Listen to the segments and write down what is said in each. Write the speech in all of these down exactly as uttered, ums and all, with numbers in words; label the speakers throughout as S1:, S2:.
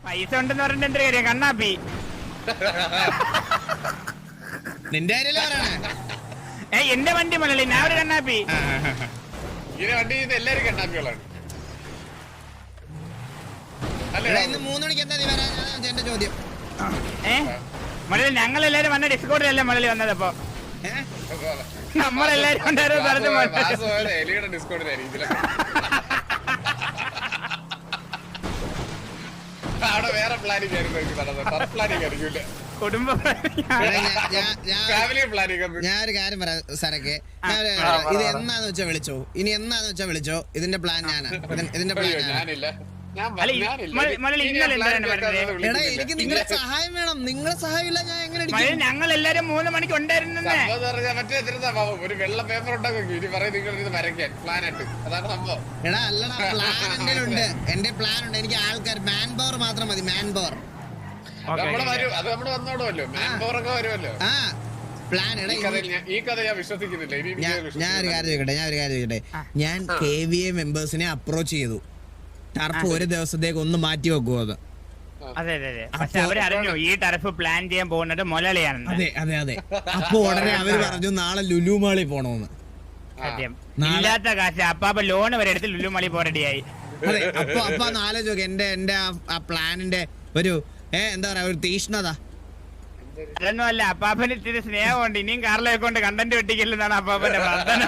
S1: പൈസ ഉണ്ടെന്ന് പറഞ്ഞിട്ട് എന്തൊരു കാര്യം കണ്ണാപ്പി
S2: നിന്റെ
S1: ഏ എന്റെ വണ്ടി മുതലേ ഞാൻ ഒരു കണ്ണാപ്പി
S3: ഇങ്ങനെ വണ്ടി ചെയ്യുന്ന എല്ലാരും കണ്ണാപ്പികളാണ്.
S2: ഇന്ന് മൂന്ന് മണിക്ക് എന്താ നീ വരാൻ എന്റെ ചോദ്യം.
S1: ഏ മുതലേ ഞങ്ങൾ എല്ലാരും വന്ന ഡിസ്കൗണ്ടിലല്ലേ മുതലേ വന്നത്. അപ്പൊ നമ്മളെല്ലാരും
S3: എലിയുടെ ഡിസ്കൗണ്ടിലായിരിക്കും അവിടെ വേറെ പ്ലാനിങ് ആയിരുന്നു, പ്ലാനിങ് ആയിരിക്കും
S1: കുടുംബ
S3: ഫാമിലി പ്ലാനിങ്.
S2: ഞാനൊരു കാര്യം പറയാം സാറൊക്കെ, ഇത് എന്നാന്ന് വെച്ചാ വിളിച്ചോ, ഇനി എന്നാന്ന് വെച്ചാ വിളിച്ചോ. ഇതിന്റെ പ്ലാൻ ഞാനാ, ഇതിന്റെ പ്ലാൻ
S3: ഞാനില്ല.
S2: എനിക്ക് നിങ്ങളുടെ സഹായം വേണം. നിങ്ങളുടെ സഹായം ഇല്ല ഞാൻ എങ്ങനെ?
S1: ഞങ്ങൾ എല്ലാരും മൂന്ന് മണിക്ക് ഉണ്ടായിരുന്നു.
S3: മറ്റേ ഒരു വെള്ള പേപ്പർ ഉണ്ടാക്കും ഇനി പറയും നിങ്ങൾ ഇത് വരയ്ക്കാൻ പ്ലാനായിട്ട്. അതാണ് സംഭവം.
S2: എടാ അല്ലടാ, പ്ലാൻ എന്റെ ഉണ്ട്, എന്റെ പ്ലാൻ ഉണ്ട്. എനിക്ക് ആൾക്കാർ മാൻ പവർ മാത്രം മതി, മാൻ പവർ.
S3: നമ്മള് വരും, അത് നമ്മള് വന്നോടുമല്ലോ, മാൻ പവർ ഒക്കെ വരുമല്ലോ.
S2: ആ പ്ലാൻ. എടാ
S3: ഈ കഥ ഞാൻ വിശ്വസിക്കുന്നില്ല.
S2: ഞാൻ ഒരു കാര്യം ചോദിക്കട്ടെ, ഞാൻ ഒരു കാര്യം ചോദിക്കട്ടെ. ഞാൻ കെ വി എ മെമ്പേഴ്സിനെ അപ്രോച്ച് ചെയ്തു. ടർഫ് ഒരു ദിവസത്തേക്ക് ഒന്ന് മാറ്റി വെക്കുമോ? അത്
S1: അതെ അതെ അതെ. പക്ഷെ അവരറിഞ്ഞു ഈ ടർഫ് പ്ലാൻ ചെയ്യാൻ പോകുന്നത് മുതലാളിയാണ്.
S2: അതെ അതെ അതെ. അപ്പൊ ഉടനെ അവര് പറഞ്ഞു നാളെ ലുലു മാളിൽ പോണോന്ന്.
S1: സത്യം. ഇല്ലാത്ത കാശ് അപ്പാപ്പ ലോൺ വരെ എടുത്ത് ലുലു മാളിൽ പോ റെഡിയായി.
S2: അതെ. അപ്പൊ അപ്പൊ ആലോചിച്ചു എന്റെ എന്റെ ആ പ്ലാനിന്റെ ഒരു ഏ എന്താ പറയാ ഒരു തീഷ്ണത.
S1: അതൊന്നും അല്ല, അപ്പാപ്പന് ഇത്തിരി സ്നേഹമുണ്ട്. ഇനിയും കാറിലേക്ക് കൊണ്ട് കണ്ടന്റ് വെട്ടിക്കല്ലെന്നാണ് അപ്പാപ്പന്റെ പ്രാർത്ഥന.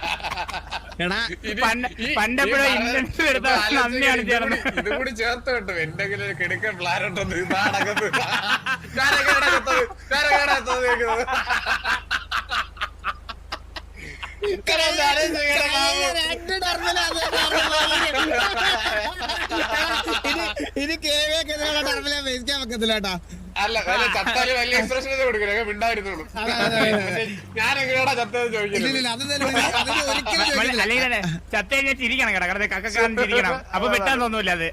S1: പണ്ടെപ്പോഴും ഇൻഷുറൻസ് എടുത്ത നന്ദിയാണ് ചേർന്ന്
S3: ഇത് കൂടി ചേർത്ത് കിട്ടും. എന്തെങ്കിലും ഒരു കിടക്കൻ പ്ലാൻ ഉണ്ടെന്ന് ഇതാണകത്ത്
S2: ഇനി ടർമിലെ വെക്കാൻ വെക്കത്തില്ല കേട്ടാ.
S3: അല്ല ചത്താല് വലിയ എക്സ്പ്രഷൻ കൊടുക്കില്ല, മിണ്ടായിരുന്നുള്ളൂ. ഞാൻ എങ്ങനെയാടാ ചത്തത് ചോദിക്കുന്നത്.
S1: അല്ലെങ്കിൽ ചത്ത കഴിഞ്ഞാൽ ചിരിക്കണം കേട്ടോ, കടത്തെ കക്കാൻ ചിരിക്കണം. അപ്പൊ വെട്ടാൻ തോന്നൂല അത്.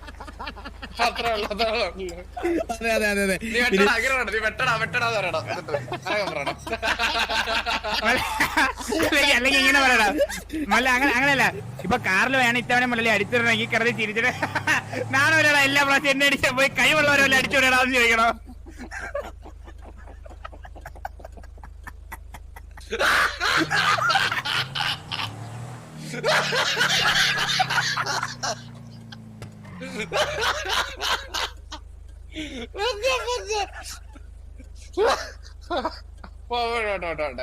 S1: അല്ലെങ്കിൽ ഇങ്ങനെ പറയടാ മല്ല, അങ്ങനെ അങ്ങനെയല്ല. ഇപ്പൊ കാറിൽ വേണം ഇത്തവണ മുതലേ അടിച്ചിടണമെങ്കിൽ കിടന്ന് ചിരിച്ചിട്ട് നാണൊരാളാ എല്ലാ പ്രാവശ്യം എന്നെ അടിച്ചാൽ പോയി കഴിവുള്ളവരല്ല അടിച്ചുവിടാന്ന് ചോദിക്കണോ?
S3: പോട്ടെ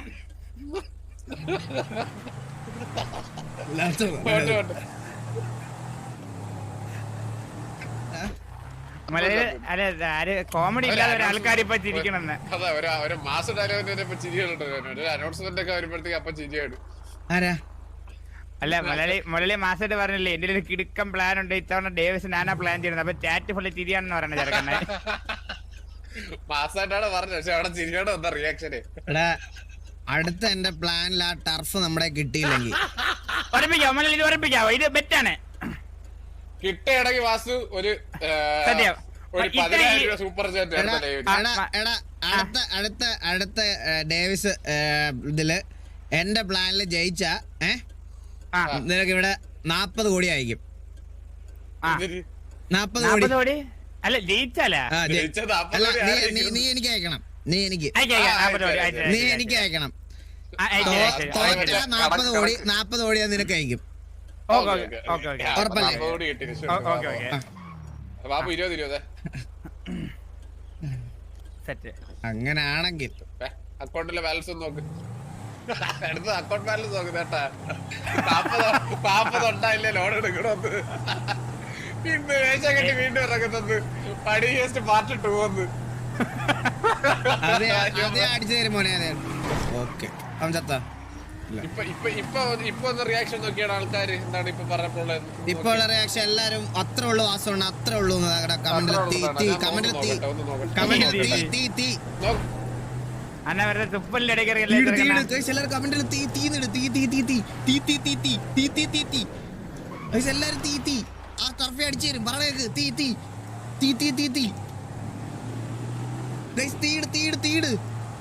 S1: കോമഡി ഇല്ലാതെ ആൾക്കാർ ഇപ്പൊ ചിരിക്കണമെന്ന്.
S3: അതെ, ഒരു മാസം ഡയലോഗിന്റെ ചിരികളുണ്ട്. ഒരു അനൗൺസ്മെന്റ് ഒക്കെ വരുമ്പോഴത്തേക്ക് അപ്പൊ ചിരിയാണ്.
S1: അല്ല മുരളി മുരളി മാസമായിട്ട് പറഞ്ഞില്ലേ എന്റെ ഒരു കിടുക്കം പ്ലാൻ ഉണ്ട്, ഇത്തവണ ഡേവിസ് ഞാനാ പ്ലാൻ ചെയ്യുന്നത്. അപ്പൊ ചാറ്റ് ഫുള്ള് ചിരിയാണെന്ന് പറയണ ചെറുക്കനെ.
S3: മാസമായിട്ടാണ് പറഞ്ഞത്, പക്ഷെ അവിടെ ചിരിയോടെ എന്താ റിയാക്ഷന്?
S2: അടുത്ത എന്റെ പ്ലാനിൽ ആ ടർഫ് നമ്മുടെ കിട്ടിയില്ലെങ്കിൽ
S1: ഉറപ്പിക്കാവോ മുരളി? ഇത് ഉറപ്പിക്കാവോ? ഇത് ബെറ്റാണ്.
S3: കിട്ടുകയാണെങ്കിൽ വാസു ഒരു സൂപ്പർ ചാറ്റ്.
S2: അടുത്ത അടുത്ത അടുത്ത ഡേവിസ് ഇതില് എന്റെ പ്ലാനില് ജയിച്ച ഏഹ് നിനക്ക് ഇവിടെ നാപ്പത് കോടി ആയിരിക്കും. നാപ്പത് കോടി
S1: അല്ല ജയിച്ചാലാ?
S2: നീ എനിക്ക് അയക്കണം, നീ എനിക്ക് നീ എനിക്ക് അയക്കണം. നാപ്പത് കോടി നാപ്പത് കോടി നിനക്ക് അയക്കും. ഉറപ്പല്ലേ? അങ്ങനാണെങ്കിൽ
S3: അക്കൗണ്ടിലെ ബാലൻസ് നോക്ക്, അടുത്ത അക്കൗണ്ട് ബാലൻസ് നോക്ക് കേട്ടാ. നാപ്പത് നാപ്പത് ഉണ്ടായില്ലേ ലോൺ എടുക്കണമെന്ന്. ഇന്ന് വേഷ കെട്ടി വീണ്ടും ഇറങ്ങുന്നത് പടി ജസ്റ്റ് പാർട്ട് ടു വന്ന്
S2: അടിച്ചു തരും മോനെ. അതെ ഓക്കെ. അവൻ ചത്ത
S3: ഇപ്പൊ ഇപ്പൊ ഇപ്പൊ ഇപ്പൊ ഒന്ന് റിയാക്ഷൻ നോക്കിയാണ് ആൾക്കാര് എന്താണ് ഇപ്പൊ പറഞ്ഞപ്പോഴുള്ളത്.
S2: ഇപ്പൊ ഉള്ള റിയാക്ഷൻ എല്ലാരും അത്ര ഉള്ളു വാസമാണ്, അത്ര ഉള്ളു. കമന്റിൽ തീ തീ കമന്റിൽ തീ കമന്റിൽ തീ തീ തീ എല്ലാരും കമന്റിൽ തീ തീന്നിട് തീ തീ തീ തീ തീ തീ തീ തീ തീ തീ തീ തീ എല്ലാരും തീ തീ ആ ടർഫെ അടിച്ചു തരും. പറയേക്ക് തീ തീ തീ തീ തീ തീ തീട് തീട് തീട്.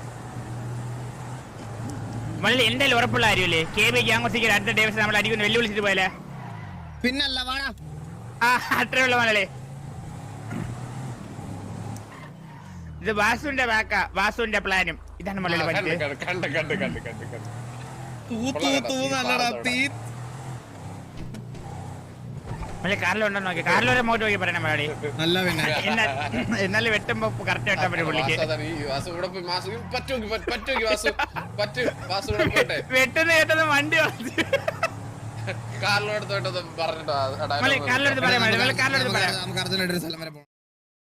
S1: മള്ളി എന്റെ ഉറപ്പുള്ള കാര്യമല്ലേ കെ ബി ഗ്യാങ്സിക്ക് അടുത്ത ഡേവിസ് നമ്മൾ അടിക്കുന്ന വെല്ലുവിളിച്ചിട്ട് പോയല്ലേ?
S2: പിന്നല്ല വാടാ.
S1: ആ അത്രേ ഉള്ള മലയാളി. ഇത് വാസുവിന്റെ ബാക്കാ, വാസുവിന്റെ പ്ലാനും. ഇതാണ് മുള്ളി
S3: കണ്ട്
S1: പഠിച്ചത്.
S3: കണ്ട് കണ്ട് കണ്ട് കണ്ട് കണ്ട് കണ്ട്
S2: തൂ തൂ തൂ നല്ലടാ തീ.
S1: മുള്ളി കാറിലുണ്ടോ നോക്കി, കാറിലൊരു മോട്ട് നോക്കി പറയണം മലയാളി.
S2: നല്ല പിന്നെ
S1: എന്നാലും വെട്ടുമ്പോ കറക്റ്റ് വെട്ടാൻ പറ്റും പുള്ളിക്ക്. വെട്ടുന്ന കേട്ടത് വണ്ടി
S3: കാറിലോടത്തോട്ടൊന്നും പറഞ്ഞിട്ടോ
S1: കാറിലെടുത്ത് പറയാം, കാറിലെടുത്ത് പറയാം.
S2: നമുക്ക് അർജുനായിട്ട് ഒരു സ്ഥലം വരെ പോകണം.